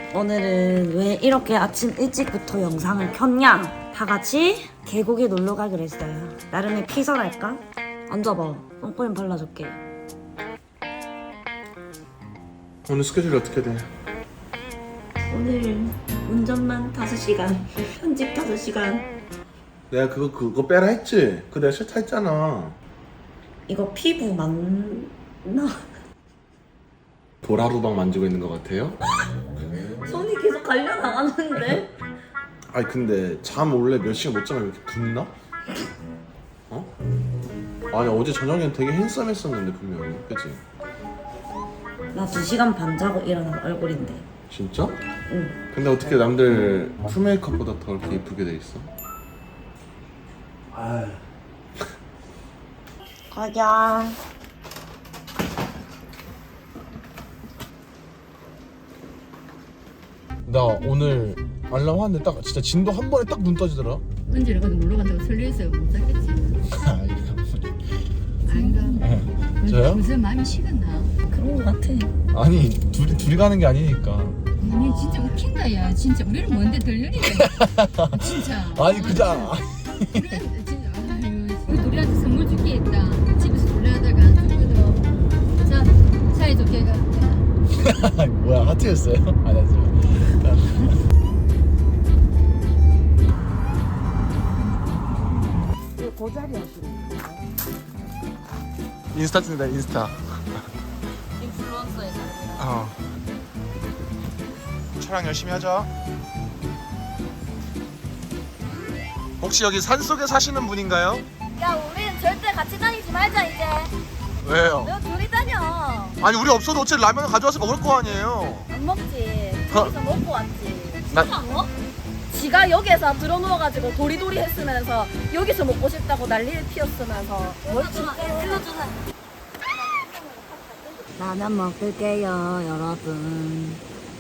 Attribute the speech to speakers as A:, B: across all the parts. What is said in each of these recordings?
A: 오늘은 왜 이렇게 아침 일찍부터 영상을 켰냐? 다 같이 계곡에 놀러 가기로 했어요. 나름의 피서랄까? 앉아봐. 선크림 발라줄게.
B: 오늘 스케줄이 어떻게 돼?
A: 오늘 운전만 5시간, 편집 5시간.
B: 내가 그거 빼라 했지? 그거 내가 싫다 했잖아.
A: 이거 피부 맞나?
B: 도라루방 만지고 있는 것 같아요?
A: 손이 계속 갈려나가는데?
B: 아니 근데 잠 원래 몇 시간 못 자면 이렇게 붓나? 어? 아니 어제 저녁엔 되게 핸섬했었는데 분명히 그치?
A: 나 2시간 반 자고 일어난 얼굴인데.
B: 진짜?
A: 응.
B: 근데 어떻게 남들 풀메이크업보다 더 이렇게 이쁘게 돼 있어?
A: 가자.
B: 나 오늘 알람 하는데 딱 진짜 진도 한 번에 딱 눈 떠지더라.
C: 은지를 거기 놀러 간다고 설레있어요. 못 살겠지. 아닌가?
B: 저요?
C: 무슨 마음이 식었나?
A: 그런 거 같아.
B: 아니 둘이 가는 게 아니니까.
C: 아니 진짜 웃긴다 야. 진짜 우리는 뭔데 들려니까. 진짜.
B: 아니 그냥
C: 우리한테 진짜 아유 우리한테 선물 줄게 있다. 집에서 놀래하다가 누구도 자 사이좋게 가.
B: 뭐야 하트였어요? 아니었어요.
A: 그 자리 하시는
B: 인스타 찍는다 인스타.
A: 인플루언서의 삶이라.
B: 어. 촬영 열심히 하자. 혹시 여기 산속에 사시는 분인가요?
D: 야, 우린 절대 같이 다니지 말자 이제.
B: 왜요?
D: 너 둘이 다녀.
B: 아니 우리 없어도 어차피 라면을 가져와서 먹을 거 아니에요.
D: 안 먹지.
B: 어?
D: 여기서 먹고 왔지.
B: 나-
D: 안 먹? 지가 여기에서 들어 누워가지고 도리도리 했으면서 여기서 먹고 싶다고 난리를 피웠으면서 뭘
A: 라면 먹을게요, 여러분.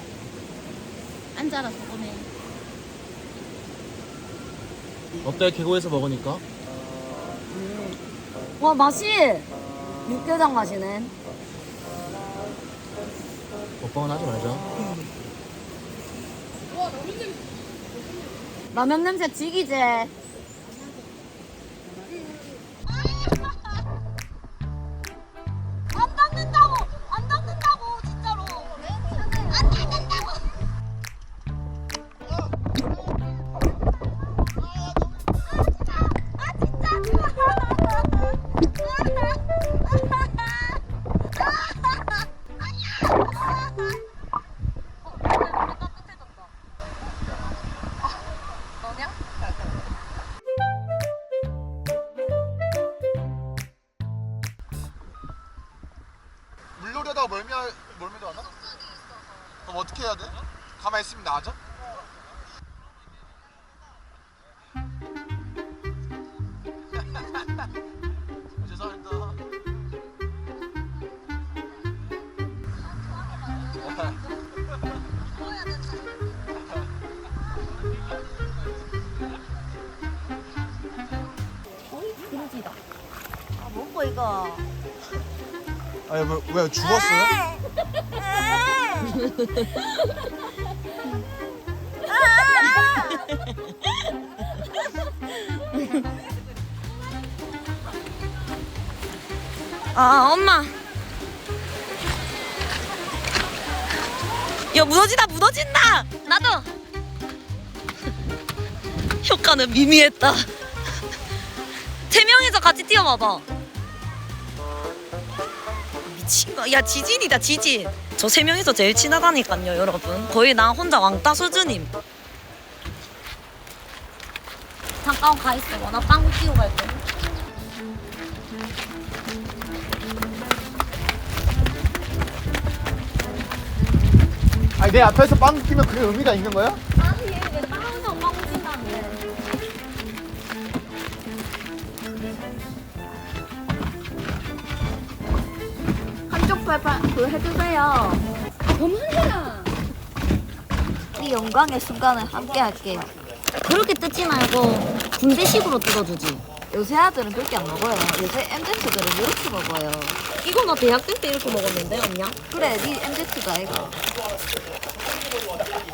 D: 앉아라 저번에.
B: 어때 계곡에서 먹으니까?
A: 와, 맛이 육개장 맛이네.
B: 먹방은 하지 말자.
A: 라면 냄새 지기지?
D: 안 닦는다고! 안 닦는다고! 진짜로! 안 닦는다고!
B: 물놀이하다가 멀미도 하나? 그럼 어떻게 해야 돼? 가만히 있으면 나아져? 죄송합니다.
D: 김치다. 아, 먹고 이거.
B: 아니 왜 죽었어요?
A: 아, 엄마. 야, 무너진다! 나도! 효과는 미미했다. 3명이서 같이 뛰어봐봐. 미친 거. 야, 지진이다, 지진. 저 3명이서 제일 친하다니까요, 여러분. 거의 나 혼자 왕따 수준임. 잠깐 가 있어. 나 빵 끼고 갈게.
B: 아니 내 앞에서 빵 끼면 그게 의미가 있는 거야?
D: 아니, 왜 빵에서 빵 찐다는데. 한쪽 팔 그거 해주세요.
C: 그만해라.
D: 이 영광의 순간을 함께 할게요.
A: 그렇게 뜯지 말고 군대식으로 뜯어주지.
D: 요새 아들은 그렇게 안 먹어요. 요새 MZ들은 이렇게 먹어요.
A: 이거 나 대학생 때 이렇게 먹었는데, 언냐?
D: 그래, 네 MZ가 이거.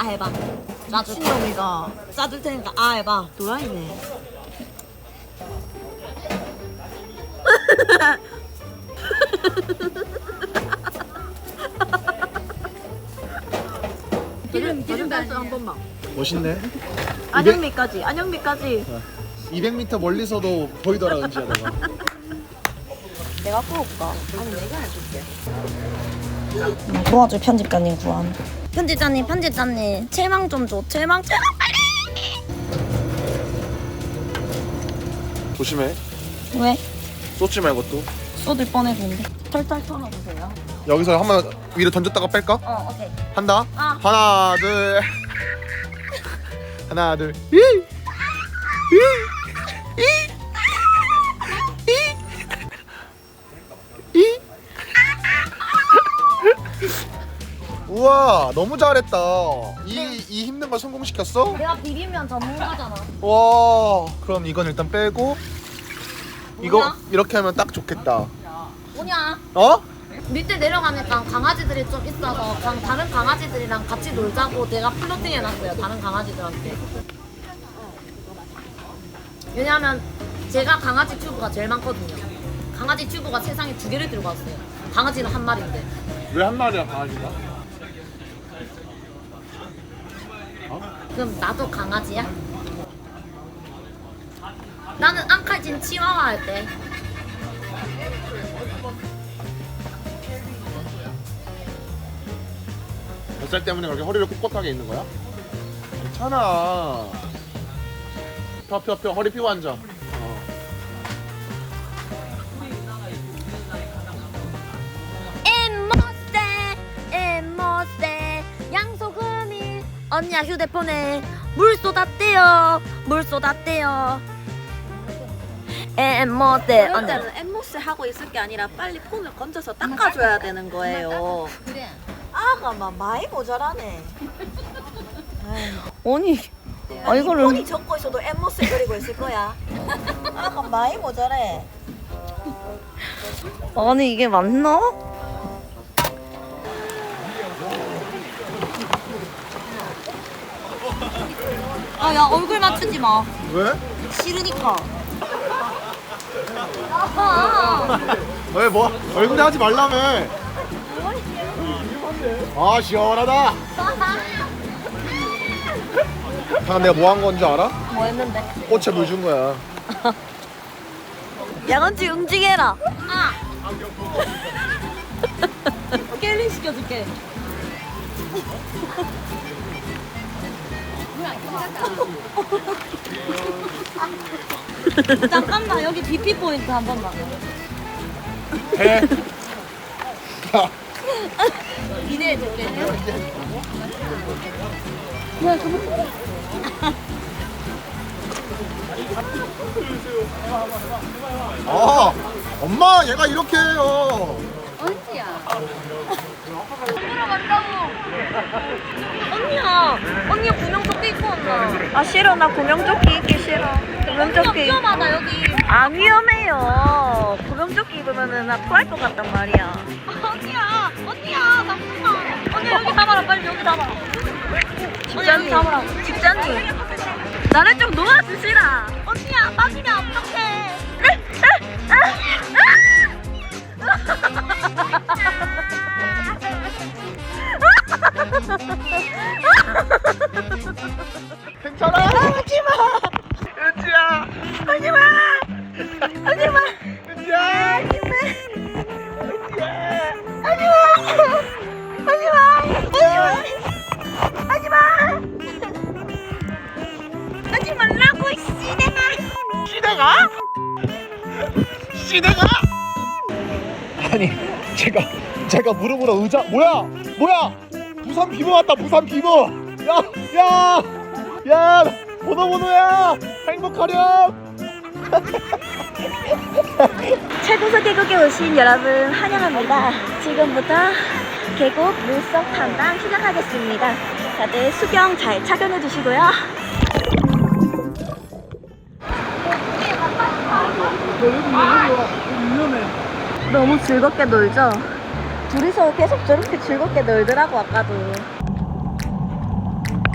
A: 해봐. 미친놈이가. 짜줄 테니까 아 해봐. 도라이네.
C: 기름 발수
D: 한 번만.
B: 멋있네.
A: 안영미까지. 안영미까지.
B: 200m 멀리서도 보이더라 은지야 너가.
A: 내가 구울까? 아니 내가 해줄게. 도와줄 편집자님 구한. 편집자님 채망 좀 줘. 채망 빨리.
B: 조심해.
A: 왜?
B: 쏟지 말고 또.
A: 쏟을 뻔했는데. 털털 털어보세요.
B: 여기서 한번 위로 던졌다가 뺄까?
A: 오케이.
B: 한다.
A: 아.
B: 하나 둘. 하나 둘. 우와 너무 잘했다. 이 힘든 걸 성공시켰어?
A: 내가 비빔면 전문가잖아.
B: 와 그럼 이건 일단 빼고 이거
A: 뭐야?
B: 이렇게 하면 딱 좋겠다.
A: 뭐냐?
B: 어?
A: 밑에 내려가니까 강아지들이 좀 있어서 다른 강아지들이랑 같이 놀자고 내가 플로팅 해놨어요. 다른 강아지들한테. 왜냐하면 제가 강아지 튜브가 제일 많거든요. 강아지 튜브가 세상에 2개를 들고 왔어요. 강아지는 한 마리인데.
B: 왜 한 마리야 강아지가?
A: 그럼 나도 강아지야? 나는 앙칼진 치와와 할 때.
B: 뱃살 때문에 그렇게 허리를 꼿꼿하게 있는 거야? 괜찮아. 펴 허리 펴고 앉아.
A: 엠모세 양소금이 언니야 휴대폰에 물 쏟았대요. 엠모세
D: 그럴 때는 엠모스 하고 있을 게 아니라 빨리 폰을 건져서 닦아줘야 되는 거예요.
C: 그래.
D: 아가 막 많이 모자라네.
A: 언니 이거를
D: 폰이 적고 있어도 엠모스 그리고 있을 거야. 아가 많이 모자래.
A: 아니 이게 맞나? 아 야 얼굴 맞추지 마.
B: 왜?
A: 싫으니까.
B: 왜 뭐? 얼굴에 하지 말라며. 아 시원하다. 방금 내가 뭐 한 건 줄 알아?
A: 뭐 했는데?
B: 꽃에 물 준 거야.
A: 양언지 응징해라. 아. 깰링 시켜줄게. 잠깐만 여기 BP 포인트 한 번만.
B: 해.
A: 기대해줄게.
B: 아 엄마 얘가 이렇게 해요.
C: 언제야?
A: 언니야 구명조끼 입고 왔나?
D: 아 싫어 나 구명조끼 입기 싫어. 구명조끼
A: 위험하다 여기.
D: 안 위험해요. 구명조끼 입으면은 나 토할 것 같단 말이야.
A: 언니야 잠깐만. 언니 여기 잡아라 빨리 여기 잡아.
D: 집장님
A: 잡으라고.
D: 집장님 나를 좀 놓아주시라.
A: 언니야 빠지면 어떡해.
B: 괜찮아. 하지마. 은지야. 하지마. 하지마. 은지야.
A: 하지 말라고
B: 시대가? 아니 제가 무릎으로 의자 뭐야 부산 비버 왔다 부산 비버. 야 번호야 행복하렴.
D: 최고서 계곡에 오신 여러분 환영합니다. 지금부터 계곡 물속 탐방 시작하겠습니다. 다들 수경 잘 착용해 주시고요. 너무 즐겁게 놀죠? 둘이서 계속 저렇게 즐겁게 놀더라고 아까도.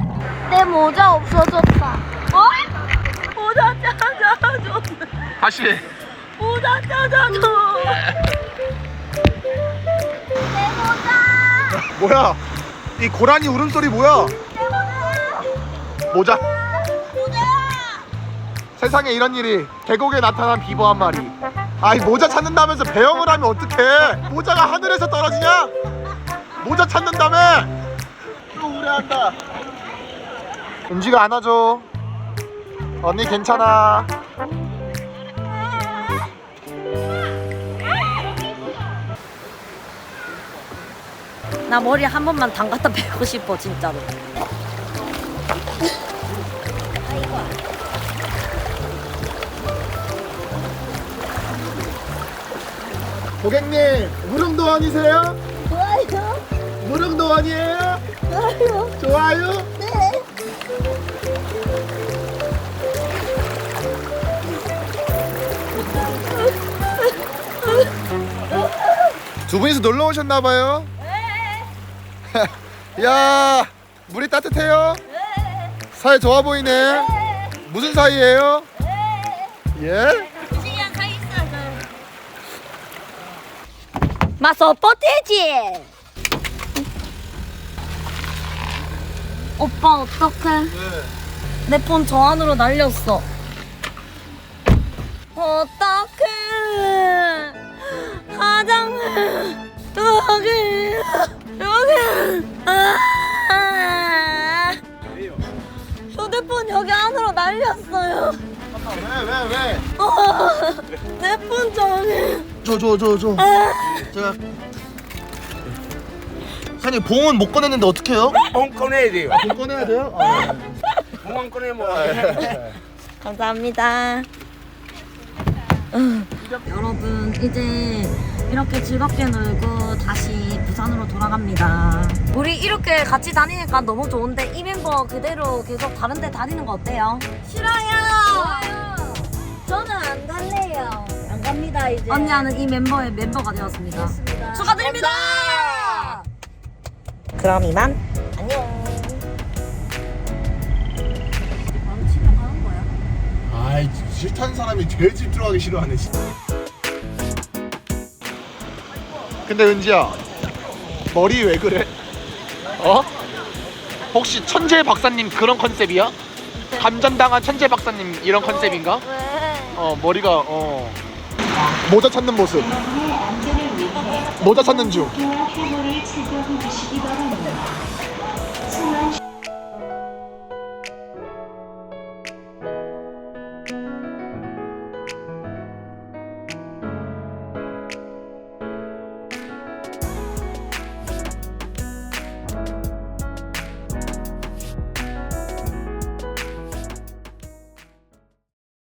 D: 내 모자 없어졌다. 모자 찾아줘.
B: 다시.
D: 모자 찾아줘. 내 모자.
B: 뭐야? 이 고라니 울음소리 뭐야? 모자. 세상에 이런 일이. 계곡에 나타난 비버 한 마리. 아이 모자 찾는다면서 배영을 하면 어떡해? 모자가 하늘에서 떨어지냐? 모자 찾는다며? 또 우려한다. 은지가 안아줘. 언니 괜찮아.
A: 나 머리 한 번만 담갔다 빼고 싶어 진짜로.
B: 고객님 무릉도원이세요?
D: 좋아요.
B: 무릉도원이에요?
D: 좋아요.
B: 좋아요?
D: 네.
B: 두 분이서 놀러 오셨나봐요. 야 물이 따뜻해요? 사이 좋아 보이네. 무슨 사이예요? 예?
D: 지금 가 있어.
A: 마서 뻗대지. 오빠 어떡해? 내 폰 저 안으로 날렸어. 어떡해? 화장을 여기 휴대폰 여기 안으로 날렸어요.
B: 왜?
A: 내 폰 저기.
B: 줘. 제가 사장님 봉은 못 꺼냈는데 어떡해요?
E: 봉 꺼내야 돼요.
B: 봉 꺼내야 돼요?
E: 봉안 꺼내면
A: 감사합니다. 여러분 이제 이렇게 즐겁게 놀고 다시 부산으로 돌아갑니다. 우리 이렇게 같이 다니니까 너무 좋은데 이 멤버 그대로 계속 다른 데 다니는 거 어때요?
D: 싫어요. 저는 안 갈래요.
A: 안 갑니다 이제. 언니는 이 멤버의 멤버가 되었습니다.
D: 그렇습니다.
A: 축하드립니다. 그럼 이만
D: 안녕.
B: 아이 싫다는 사람이 제일 집중하기 싫어하네 진짜. 근데 은지야 머리 왜 그래? 어? 혹시 천재 박사님 그런 컨셉이야? 감전당한 천재 박사님 이런 컨셉인가?
D: 왜?
B: 머리가 모자 찾는 모습. 모자 찾는 중.